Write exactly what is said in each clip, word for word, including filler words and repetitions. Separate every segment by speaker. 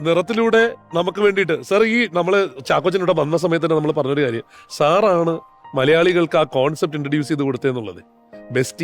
Speaker 1: നിറത്തിലൂടെ നമുക്ക് വേണ്ടിയിട്ട് സാർ ഈ നമ്മള് ചാക്കോച്ചനോട് വന്ന സമയത്ത് തന്നെ നമ്മൾ പറഞ്ഞൊരു കാര്യം, സാറാണ് മലയാളികൾക്ക് ആ കോൺസെപ്റ്റ് ഇൻട്രൊഡ്യൂസ് ചെയ്ത് കൊടുത്തതെന്നുള്ളത്. ബെസ്റ്റി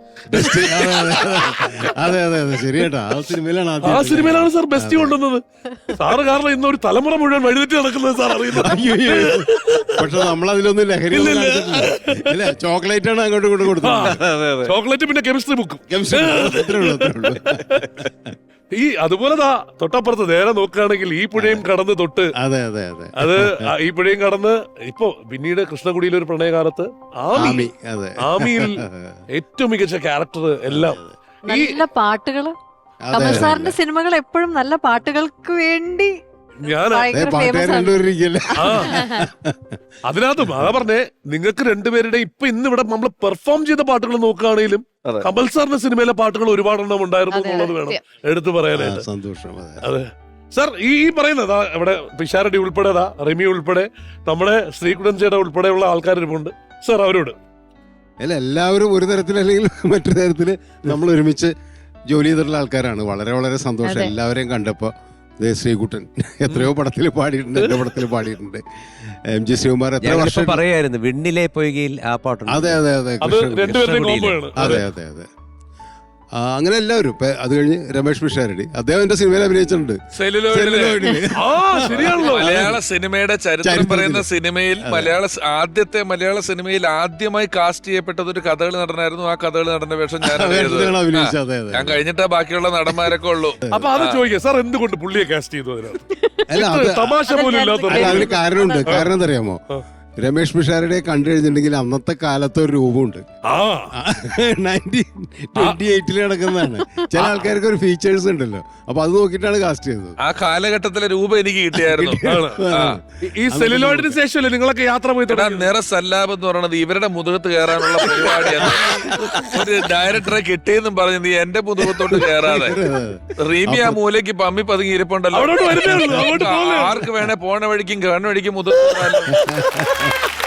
Speaker 2: അതെ അതെ അതെ ശരിയേട്ടാ. ആ സിനിമയിലാണ്
Speaker 1: ആ സിനിമയിലാണ് സാർ ബെസ്റ്റി കൊണ്ടുവന്നത്. സാറ് കാരണം ഇന്ന് ഒരു തലമുറ മുഴുവൻ വഴിതെറ്റി നടക്കുന്നത് സാർ അറിയുന്നത്.
Speaker 2: പക്ഷെ നമ്മളതിലൊന്നും ലഹരി അല്ല, ചോക്ലേറ്റ് ആണ് അങ്ങോട്ടും ഇങ്ങോട്ടും കൊടുത്തത്.
Speaker 1: ചോക്ലേറ്റ് പിന്നെ കെമിസ്ട്രി ബുക്കും.
Speaker 2: അത്രേ ഉള്ളൂ അത്രേ ഉള്ളൂ.
Speaker 1: ഈ അതുപോലെ തൊട്ടപ്പുറത്ത് നേരെ നോക്കുകയാണെങ്കിൽ ഈ പുഴയും കടന്ന് തൊട്ട്
Speaker 2: അതെ അതെ അതെ
Speaker 1: അത് ഈ പുഴയും കടന്ന് ഇപ്പൊ പിന്നീട് കൃഷ്ണകുടിയിലെ ഒരു പ്രണയകാലത്ത് ആമി,
Speaker 2: അതെ
Speaker 1: ആമിയിൽ ഏറ്റവും മികച്ച ക്യാരക്ടർ എല്ലാം.
Speaker 3: നല്ല പാട്ടുകള്, കമൽ സാറിന്റെ സിനിമകൾ എപ്പോഴും നല്ല പാട്ടുകൾക്ക് വേണ്ടി
Speaker 1: ഞാൻ
Speaker 2: പാട്ടുകാർ രണ്ടുപേരിക്കല്ലേ.
Speaker 1: ആ അതിനകത്ത് അതാ പറഞ്ഞേ, നിങ്ങൾക്ക് രണ്ടുപേരുടെ ഇപ്പൊ ഇന്ന് ഇവിടെ നമ്മൾ പെർഫോം ചെയ്ത പാട്ടുകൾ നോക്കുകയാണെങ്കിലും കമൽ സാറിന്റെ സിനിമയിലെ പാട്ടുകൾ ഒരുപാടെണ്ണം ഉണ്ടായിരുന്നു എന്നുള്ളത് വേണം എടുത്തു പറയാനായിട്ട്.
Speaker 2: സന്തോഷം.
Speaker 1: അതെ സാർ, ഈ ഈ പറയുന്നതാ ഇവിടെ പിഷാരടി ഉൾപ്പെടെ, റിമി ഉൾപ്പെടെ, നമ്മുടെ ശ്രീകുടൻ ചേട്ട ഉൾപ്പെടെയുള്ള ആൾക്കാരിപ്പുണ്ട് സാർ. അവരോട്
Speaker 2: അല്ല, എല്ലാവരും ഒരു തരത്തിൽ അല്ലെങ്കിൽ മറ്റൊരു തരത്തില് നമ്മൾ ഒരുമിച്ച് ജോലി ചെയ്തിട്ടുള്ള ആൾക്കാരാണ്. വളരെ വളരെ സന്തോഷം എല്ലാവരെയും കണ്ടപ്പോ. ശ്രീകുട്ടൻ എത്രയോ പടത്തിൽ പാടിയിട്ടുണ്ട്, എന്റെ പടത്തിൽ പാടിയിട്ടുണ്ട്. എം ജി ശ്രീകുമാർ എത്ര വർഷം
Speaker 4: പറയായിരുന്നു വിണ്ണിലെ പൊയ്കയിൽ ആ പാട്ടുണ്ട്.
Speaker 2: അതെ അതെ അതെ അതെ അതെ അതെ അങ്ങനെ എല്ലാവരും. അത് കഴിഞ്ഞ് രമേഷ് പിഷാരടി, അദ്ദേഹം എന്റെ സിനിമയിൽ അഭിനയിച്ചിട്ടുണ്ട്.
Speaker 5: മലയാള സിനിമയുടെ ചരിത്രം പറയുന്ന സിനിമയിൽ മലയാള ആദ്യത്തെ മലയാള സിനിമയിൽ ആദ്യമായി കാസ്റ്റ് ചെയ്യപ്പെട്ടത് ഒരു കഥകളി നടനായിരുന്നു. ആ കഥകളി നടന്റെ വേഷം ഞാൻ ഞാൻ കഴിഞ്ഞിട്ടാ ബാക്കിയുള്ള നടന്മാരൊക്കെ ഉള്ളൂ.
Speaker 1: അപ്പൊ അത് ചോദിക്കാം സാർ, എന്തുകൊണ്ട് പുള്ളിയെ കാസ്റ്റ് ചെയ്തു?
Speaker 2: അല്ല,
Speaker 1: തമാശ പോലും ഇല്ലാത്ത
Speaker 2: അതിന് കാരണമുണ്ട്. കാരണം എന്താ അറിയാമോ, രമേഷ് പിഷാരടിയെ കണ്ടു കഴിഞ്ഞിട്ടുണ്ടെങ്കിൽ അന്നത്തെ കാലത്ത് ഒരു രൂപമുണ്ട്. നയൻറ്റീൻ ട്വന്റി എയ്റ്റിൽ നടക്കുന്നതാണ്. ചില ആൾക്കാർക്ക് ഒരു ഫീച്ചേഴ്സ് ഉണ്ടല്ലോ, അപ്പൊ അത് നോക്കിയിട്ടാണ് കാസ്റ്റ് ചെയ്തത്.
Speaker 5: ആ കാലഘട്ടത്തിലെ രൂപം എനിക്ക് കിട്ടിയായിരുന്നു.
Speaker 1: ഈ സെല്ലുലോയിഡിന് ശേഷമല്ലേ നിങ്ങളൊക്കെ യാത്ര പോയി?
Speaker 5: നിറ സല്ലാബ് എന്ന് പറയുന്നത് ഇവരുടെ മുതുകത്ത് കയറാനുള്ള പരിപാടിയാണ്. ഒരു ഡയറക്ടറെ കിട്ടിയെന്നും പറഞ്ഞു നീ എന്റെ മുതുകത്തോട്ട് കയറാതെ റീമി ആ മൂലയ്ക്ക് പമ്മി പതുങ്ങി ഇരിപ്പുണ്ടല്ലോ. ആർക്ക് വേണേ പോണ വഴിക്കും കണ്ണ വഴിക്കും മുതുക.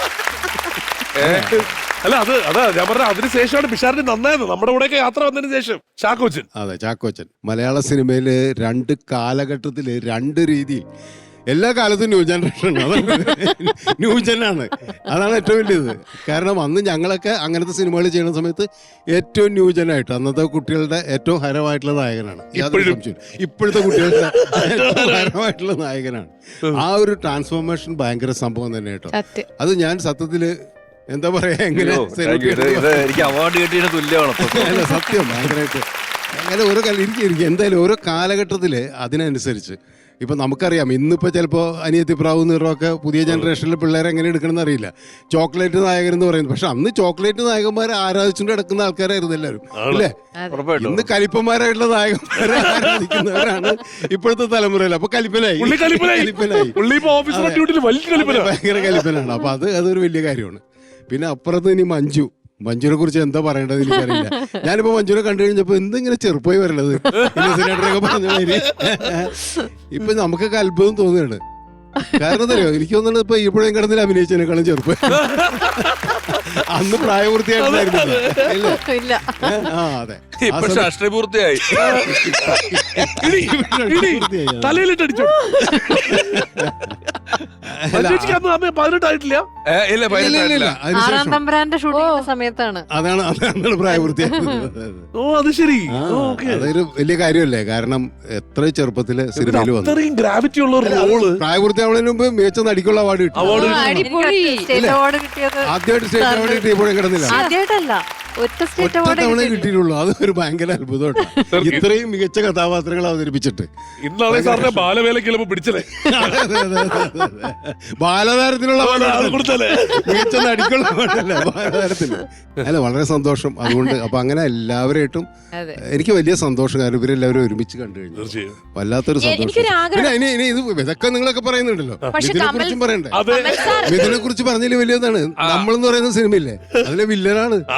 Speaker 1: അല്ല, അത് അതാ ഞാൻ പറഞ്ഞ അതിനുശേഷമാണ് പിഷാരടി നന്നായത്. നമ്മുടെ കൂടെയൊക്കെ യാത്ര വന്നതിന് ശേഷം ചാക്കോച്ചൻ.
Speaker 2: അതെ, ചാക്കോച്ചൻ മലയാള സിനിമയില് രണ്ട് കാലഘട്ടത്തില് രണ്ട് രീതിയിൽ, എല്ലാ കാലത്തും ന്യൂ ജനറേഷൻ ന്യൂ ജനാണ്. അതാണ് ഏറ്റവും വലിയത്. കാരണം അന്ന് ഞങ്ങളൊക്കെ അങ്ങനത്തെ സിനിമകൾ ചെയ്യുന്ന സമയത്ത് ഏറ്റവും ന്യൂ ജനായിട്ട് അന്നത്തെ കുട്ടികളുടെ ഏറ്റവും ഹരമായിട്ടുള്ള നായകനാണ്. ഇപ്പോഴത്തെ കുട്ടികളുടെ ഏറ്റവും ഹരമായിട്ടുള്ള നായകനാണ്. ആ ഒരു ട്രാൻസ്ഫോർമേഷൻ ഭയങ്കര സംഭവം തന്നെ കേട്ടോ. അത് ഞാൻ സത്യത്തില് എന്താ പറയാ, എങ്ങനെ
Speaker 4: എനിക്ക് അവാർഡ് കിട്ടിയതിന് തുല്യമാണ്
Speaker 2: സത്യം. ഭയങ്കരമായിട്ട് അങ്ങനെ ഓരോ എനിക്ക് എന്തായാലും ഓരോ കാലഘട്ടത്തില് അതിനനുസരിച്ച് ഇപ്പൊ നമുക്കറിയാം, ഇന്നിപ്പോ ചിലപ്പോ അനിയത്തി പ്രാവ് നിറമൊക്കെ പുതിയ ജനറേഷനിലെ പിള്ളേരെ എങ്ങനെ എടുക്കണം എന്നറിയില്ല. ചോക്ലേറ്റ് നായകൻ എന്ന് പറയുന്നത്, പക്ഷെ അന്ന് ചോക്ലേറ്റ് നായകന്മാരെ ആരാധിച്ചുകൊണ്ട് കിടക്കുന്ന ആൾക്കാരായിരുന്നു എല്ലാവരും, അല്ലേ? ഇന്ന് കലിപ്പന്മാരായിട്ടുള്ള നായകന്മാരെ ആരാധിക്കുന്നവരാണ് ഇപ്പോഴത്തെ തലമുറയിൽ. അപ്പൊ കലിപ്പനായി ഭയങ്കര കലിപ്പനാണ്. അപ്പൊ അത് അതൊരു വലിയ കാര്യമാണ്. പിന്നെ അപ്പുറത്ത് ഇനി മഞ്ജു, മഞ്ജുവിനെ കുറിച്ച് എന്താ പറയേണ്ടത് എനിക്കറിയില്ല. ഞാനിപ്പോ മഞ്ജുവിനെ കണ്ടു കഴിഞ്ഞപ്പോ എന്തിങ്ങനെ ചെറുപ്പമായി വരണത് സിനിമയൊക്കെ പറഞ്ഞ മാതിരി. ഇപ്പൊ നമുക്കൊക്കെ അത്ഭുതം തോന്നുകയാണ്. കാരണം എന്തറിയോ, എനിക്ക് തോന്നുന്നത് ഇപ്പൊ ഇപ്പോഴും കിടന്നിൽ അഭിനയിച്ചതിനേക്കാളും ചെറുപ്പം. അന്ന് പ്രായപൂർത്തിയായിട്ടില്ലായിരുന്നില്ല. ആ അതെ,
Speaker 5: ഇപ്പൊ രാഷ്ട്രീയപൂർത്തിയായി.
Speaker 1: തലയിലിട്ടടിച്ചു. പതിനെട്ടായിട്ടില്ല.
Speaker 3: ആറാം തമ്പുരാന്റെ ഷൂട്ടിംഗ് സമയത്താണ്.
Speaker 2: അതാണ് അതാണ് പ്രായപൂർത്തിയായത്.
Speaker 1: ഓ അത് ശരി.
Speaker 2: അതൊരു വലിയ കാര്യമല്ലേ? കാരണം എത്ര ചെറുപ്പത്തില് സിനിമയിൽ വന്നു.
Speaker 1: ഗ്രാവിറ്റി ഉള്ള റോള്.
Speaker 2: പ്രായപൂർത്തിയാവുന്നതിന് മുമ്പ് മികച്ച നടിക്കുള്ള അവാർഡ് കിട്ടി. ആദ്യമായിട്ട് സ്റ്റേറ്റ് അവാർഡ് കിട്ടി ഇപ്പോഴും കിടന്നില്ല.
Speaker 3: ആദ്യമായിട്ടല്ല, ഒറ്റ സ്റ്റേറ്റ് അവാർഡ്
Speaker 2: തവണ കിട്ടിയിട്ടുള്ളൂ. അത് ഒരു ഭയങ്കര അത്ഭുതമാണ്. ഇത്രയും മികച്ച കഥാപാത്രങ്ങൾ അവതരിപ്പിച്ചിട്ട്.
Speaker 1: ഇന്നാളെ സാറിനെ ബാലവേലയ്ക്ക് പിടിച്ചല്ലേ?
Speaker 2: ബാലതാരത്തിനുള്ള മികച്ച നടിക്കുള്ള അവാർഡല്ല, ബാലതാരത്തിന്. അല്ല, വളരെ സന്തോഷം. അതുകൊണ്ട് അപ്പൊ അങ്ങനെ എല്ലാവരായിട്ടും എനിക്ക് വലിയ സന്തോഷം. കാരണം ഇവരെല്ലാവരും ഒരുമിച്ച് കണ്ടു കഴിഞ്ഞു, വല്ലാത്തൊരു സന്തോഷം. പിന്നെ ഇനി ഇനി ഇത് ഇതൊക്കെ നിങ്ങളൊക്കെ പറയുന്നുണ്ടല്ലോ, ഇതിനെ കുറിച്ചും പറയണ്ടേ? ഇതിനെ കുറിച്ച് പറഞ്ഞതിൽ വലിയതാണ്. നമ്മളെന്ന് പറയുന്ന സിനിമയില്ലേ, അതിലെ വില്ലനാണ്.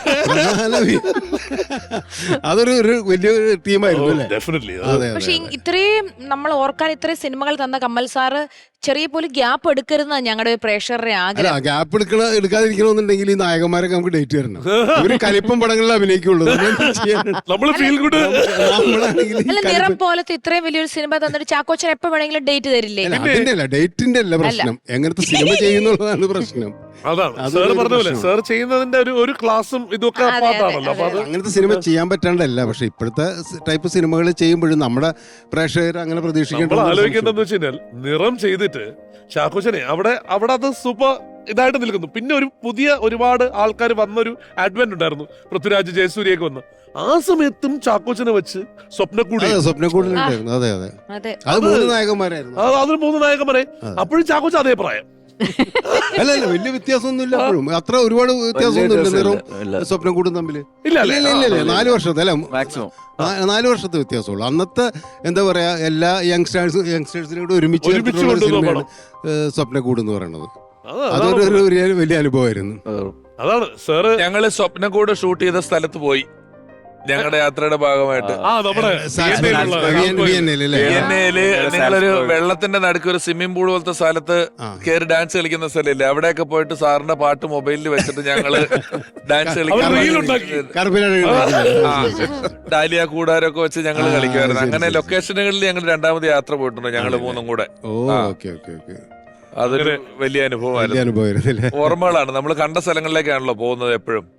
Speaker 2: പ്രധാന വി- അതൊരു ഒരു വലിയൊരു ടീമായിരുന്നു അല്ലേ?
Speaker 1: ഡെഫിനറ്റ്ലി
Speaker 2: അതെ
Speaker 6: പക്ഷെ
Speaker 2: അതെ
Speaker 6: ഇത്രയും നമ്മൾ ഓർക്കാൻ ഇത്രയും സിനിമകൾ തന്ന കമൽ സാറ് ചെറിയ പോലും ഗ്യാപ്പ് എടുക്കരുതെന്നാണ് ഞങ്ങളുടെ പ്രേക്ഷകരുടെ
Speaker 2: അല്ല
Speaker 6: ആഗ്രഹം.
Speaker 2: ഗ്യാപ്പ് എടുക്കണ എടുക്കാതിരിക്കണമെന്നുണ്ടെങ്കിൽ ഈ നായകന്മാരൊക്കെ നമുക്ക് ഡേറ്റ് തരണം. ഇവര് കലിപ്പം പടങ്ങളിൽ അഭിനയിക്കുള്ളൂ. നമ്മളെന്ത് ചെയ്യാനാണ്?
Speaker 1: നമ്മള് ഫീൽ ഗുഡ്
Speaker 2: നമ്മളാണെങ്കിൽ ഈ
Speaker 6: അല്ല,
Speaker 2: കലിപ്പം-
Speaker 6: നിറം പോലത്തെ ഇത്രയും വലിയൊരു സിനിമ തന്നിട്ട് ചാക്കോച്ചൻ എപ്പോ വേണമെങ്കിലും ഡേറ്റ് തരില്ലേ?
Speaker 2: അല്ല, അതിന്റെ അല്ല ഡേറ്റിന്റെ അല്ല പ്രശ്നം, എങ്ങനത്തെ സിനിമ ചെയ്യുന്നുള്ളതാണ് പ്രശ്നം.
Speaker 1: അതാണ്
Speaker 2: അതൊരു
Speaker 1: സാർ പറഞ്ഞ പോലെ
Speaker 2: പ്രശ്നമാണ്.
Speaker 1: സാർ ചെയ്യുന്നതിന്റെ ഒരു ഒരു ക്ലാസ്സും ഇതൊക്കെ
Speaker 6: അതെ,
Speaker 1: പാട്ടാണല്ലോ. അപ്പൊ അത്
Speaker 2: അങ്ങനത്തെ സിനിമ ചെയ്യാൻ പറ്റാണ്ടല്ല, പക്ഷെ ഇപ്പോഴത്തെ ടൈപ്പ് സിനിമകൾ ചെയ്യുമ്പോഴും നമ്മുടെ പ്രേക്ഷകർ അങ്ങനെ
Speaker 1: നമ്മൾ
Speaker 2: പ്രതീക്ഷിക്കേണ്ട
Speaker 1: ആലോചിക്കേണ്ടതെന്ന് വെച്ച് കഴിഞ്ഞാൽ നിറം ചെയ്തിട്ട് ചാക്കോച്ചനെ അവിടെ അവിടെ അത് സൂപ്പർ ഇതായിട്ട് നിൽക്കുന്നു. പിന്നെ ഒരു പുതിയ ഒരുപാട് ആൾക്കാർ വന്നൊരു അഡ്വന്റ് ഉണ്ടായിരുന്നു, പൃഥ്വിരാജ് ജയസൂര്യയൊക്കെ വന്ന്. ആ സമയത്തും ചാക്കോച്ചനെ വെച്ച് സ്വപ്നക്കൂടി
Speaker 2: സ്വപ്നക്കൂടിലുണ്ടായിരുന്നു. അതെ അതെ
Speaker 6: അതെ,
Speaker 2: അത് മൂന്ന് നായകന്മാരായിരുന്നു.
Speaker 1: അത് അതിൽ മൂന്ന് നായകന്മാരെ അപ്പോഴും ചാക്കോച്ച അതേ പ്രായം.
Speaker 2: അല്ല അല്ല വലിയ വ്യത്യാസമൊന്നും ഇല്ല. അപ്പോഴും അത്ര ഒരുപാട് വ്യത്യാസമൊന്നും ഇല്ല നിറവും സ്വപ്നം കൂടും തമ്മില്.
Speaker 1: ഇല്ല
Speaker 2: ഇല്ല ഇല്ല ഇല്ല ഇല്ല നാല് വർഷത്തെ അല്ല
Speaker 4: മാക്സിമം
Speaker 2: നാ- നാല് വർഷത്തെ വ്യത്യാസമുള്ളൂ. അന്നത്തെ എന്താ പറയാ എല്ലാ യങ്സ്റ്റേഴ്സ് യങ്സ്റ്റേഴ്സിനെ കൂടെ ഒരുമിച്ച്
Speaker 1: ഒരുമിച്ച്
Speaker 2: ചേർത്തിട്ടുള്ള
Speaker 1: കൊണ്ടുവന്ന
Speaker 2: സിനിമയാണ് സ്വപ്നക്കൂട് എന്ന് പറയുന്നത്.
Speaker 1: അത്
Speaker 2: അതൊരു
Speaker 1: അതാണ്
Speaker 2: ഒരു വലിയ- വലിയ അനുഭവമായിരുന്നു.
Speaker 1: അതാണ് സാറ്
Speaker 5: ഞങ്ങള് സ്വപ്നക്കൂട് ഷൂട്ട് ചെയ്ത സ്ഥലത്ത് പോയി ഞങ്ങളുടെ യാത്രയുടെ ഭാഗമായിട്ട്.
Speaker 1: ആ നമ്മുടെ
Speaker 2: സാ-
Speaker 1: വിയന്നയിലുള്ള
Speaker 2: വിയൻ- വിയന്നയിൽ അല്ലേ?
Speaker 5: വിയന്നയില് നിങ്ങളൊരു വെള്ളത്തിന്റെ നടുക്ക് ഒരു സ്വിമ്മിംഗ് പൂൾ പോലത്തെ സ്ഥലത്ത്
Speaker 2: ആ.
Speaker 5: കയറി ഡാൻസ് കളിക്കുന്ന സ്ഥലമില്ലേ, അവിടെയൊക്കെ പോയിട്ട് സാറിന്റെ പാട്ട് മൊബൈലിൽ വെച്ചിട്ട് ഞങ്ങള് ഡാൻസ്
Speaker 1: അവർ reel ഉണ്ടാക്കി.
Speaker 5: കളിക്കാൻ
Speaker 2: കറുപ്പിലാണ്
Speaker 5: ഡാലിയ കൂടാരൊക്കെ വെച്ച് ഞങ്ങൾ
Speaker 2: ആ,
Speaker 5: കളിക്കുമായിരുന്നു.
Speaker 2: ശരി,
Speaker 5: അങ്ങനെ
Speaker 2: ശരി.
Speaker 5: ലൊക്കേഷനുകളിൽ ഞങ്ങൾ രണ്ടാമത് യാത്ര പോയിട്ടുണ്ട് ഞങ്ങള് മൂന്നും കൂടെ.
Speaker 2: ഓ
Speaker 5: ആ.
Speaker 2: ഓക്കെ ഓക്കെ ഓക്കെ
Speaker 5: അതൊരു വലിയ
Speaker 2: വലിയ
Speaker 5: അനുഭവമായിരുന്നു.
Speaker 2: അനുഭവമായിരുന്നു അല്ലേ?
Speaker 5: ഓർമ്മകളാണ്, നമ്മൾ കണ്ട സ്ഥലങ്ങളിലേക്കാണല്ലോ പോകുന്നത് എപ്പോഴും.